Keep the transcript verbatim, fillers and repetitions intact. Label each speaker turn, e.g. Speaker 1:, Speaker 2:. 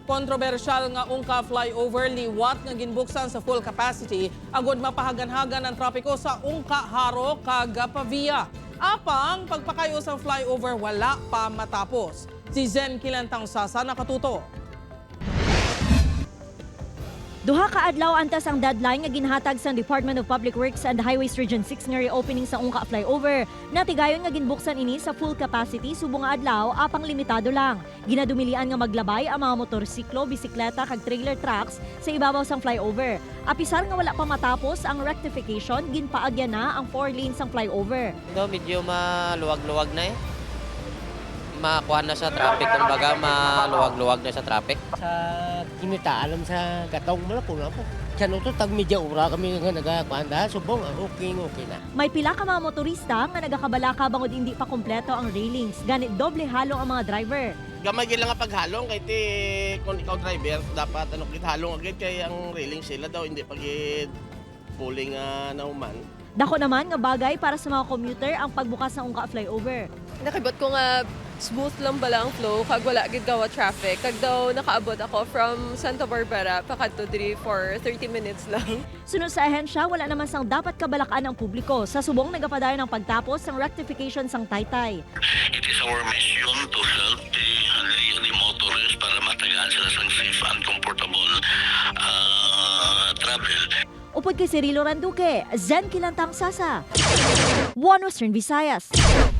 Speaker 1: Kontrobersyal nga ungka flyover liwat nga ginbuksan sa full capacity agod mapahagan-hagan ang trapiko sa ungka Haro kag Pavia. Apang pagpakayo sa flyover wala pa matapos. Si Zen Kilantang Sasa nakatuto.
Speaker 2: Duha ka adlaw antas ang deadline nga ginhatag sa Department of Public Works and Highways Region six nga reopening sa ungka flyover. Natigayon nga ginbuksan ini sa full capacity subong nga adlaw apang limitado lang. Ginadumilian nga maglabay ang mga motorsiklo, bisikleta kag trailer trucks sa ibabaw sang flyover. Apisar nga wala pa matapos ang rectification, ginpaagyan na ang four lanes sang flyover.
Speaker 3: No, medyo maluwag-luwag na eh. Makuha na sa traffic, kumbaga maluwag-luwag na sa traffic.
Speaker 4: Sa kinita, alam sa gatong mo na po na po. Sa nuto, tag medya ura kami nga nagakuanda, subong, okay, okay na.
Speaker 2: May pila ka mga motorista nga nagakabalaka bangod hindi pa kompleto ang railings. Ganit doble halong ang mga driver.
Speaker 5: Gamay lang nga paghalong kay ti kung ikaw driver dapat ano kit halong agad kay ang railing sila daw hindi pagid pulling uh, nauman.
Speaker 2: Dako naman nga bagay para sa mga commuter ang pagbukas ng ungka flyover.
Speaker 6: Nakibot ko nga smooth lang bala ang flow kag wala gid gawa traffic kag daw nakaabot ako from Santa Barbara pakadto diri for thirty minutes lang.
Speaker 2: Sunod sa ahensya, wala naman sang dapat kabalakan ng publiko sa subong nagapadayon ng pagtapos ng rectification sang Taytay.
Speaker 7: It is our mission to help the, uh, the motorists para matagaan sila sa safe and comfortable uh, travel.
Speaker 2: Upod kay Cirilo Randuque, Zen Kilantang Sasa, One Western Visayas.